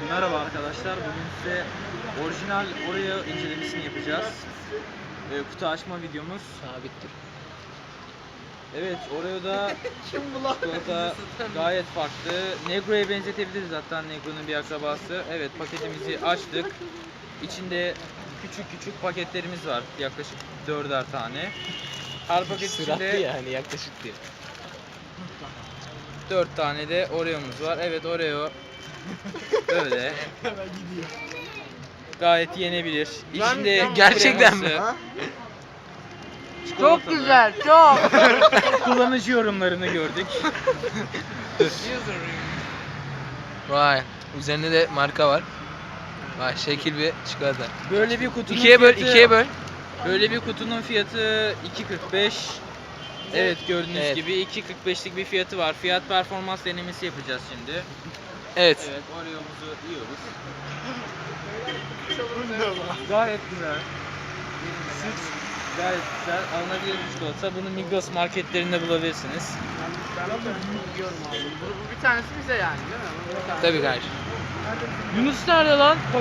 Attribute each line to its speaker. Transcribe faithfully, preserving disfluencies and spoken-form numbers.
Speaker 1: Merhaba arkadaşlar, bugün size orijinal Oreo incelemesini yapacağız. Ee, kutu açma videomuz.
Speaker 2: Sabittir.
Speaker 1: Evet, Oreo'da çikolata gayet farklı. Negro'ya benzetebiliriz, hatta Negro'nun bir akrabası. Evet, paketimizi açtık. İçinde küçük küçük paketlerimiz var, yaklaşık dörder tane. Her paket
Speaker 2: Sıratlı
Speaker 1: içinde
Speaker 2: yani yaklaşık diye.
Speaker 1: dört tane de Oreo'muz var. Evet, Oreo böyle. Gayet yenebilir. İçinde
Speaker 2: Gerçekten mi?
Speaker 1: kreması,
Speaker 3: Çok
Speaker 1: çikolatalı.
Speaker 3: güzel, çok.
Speaker 1: Kullanıcı yorumlarını gördük.
Speaker 2: Vay. Üzerinde de marka var. Vay şekil bir çikolata.
Speaker 1: Böyle bir kutunun
Speaker 2: İkiye böl,
Speaker 1: fiyatı,
Speaker 2: ikiye böl.
Speaker 1: Böyle bir kutunun fiyatı iki kırk beş. Evet, gördüğünüz
Speaker 2: Evet.
Speaker 1: gibi iki kırk beşlik bir fiyatı var. Fiyat performans denemesi yapacağız şimdi.
Speaker 2: Evet.
Speaker 1: Evet, Oreo'muzu yiyoruz. Gayet güzel. Süt gayet güzel. Alınabilir bir çikolata. Bunu Migros marketlerinde bulabilirsiniz.
Speaker 3: Ben onu yiyorum abi. Bu, bu bir tanesi bize yani değil mi? Bu bir tanesi.
Speaker 2: Tabii kardeşim.
Speaker 1: Yunus nerede lan?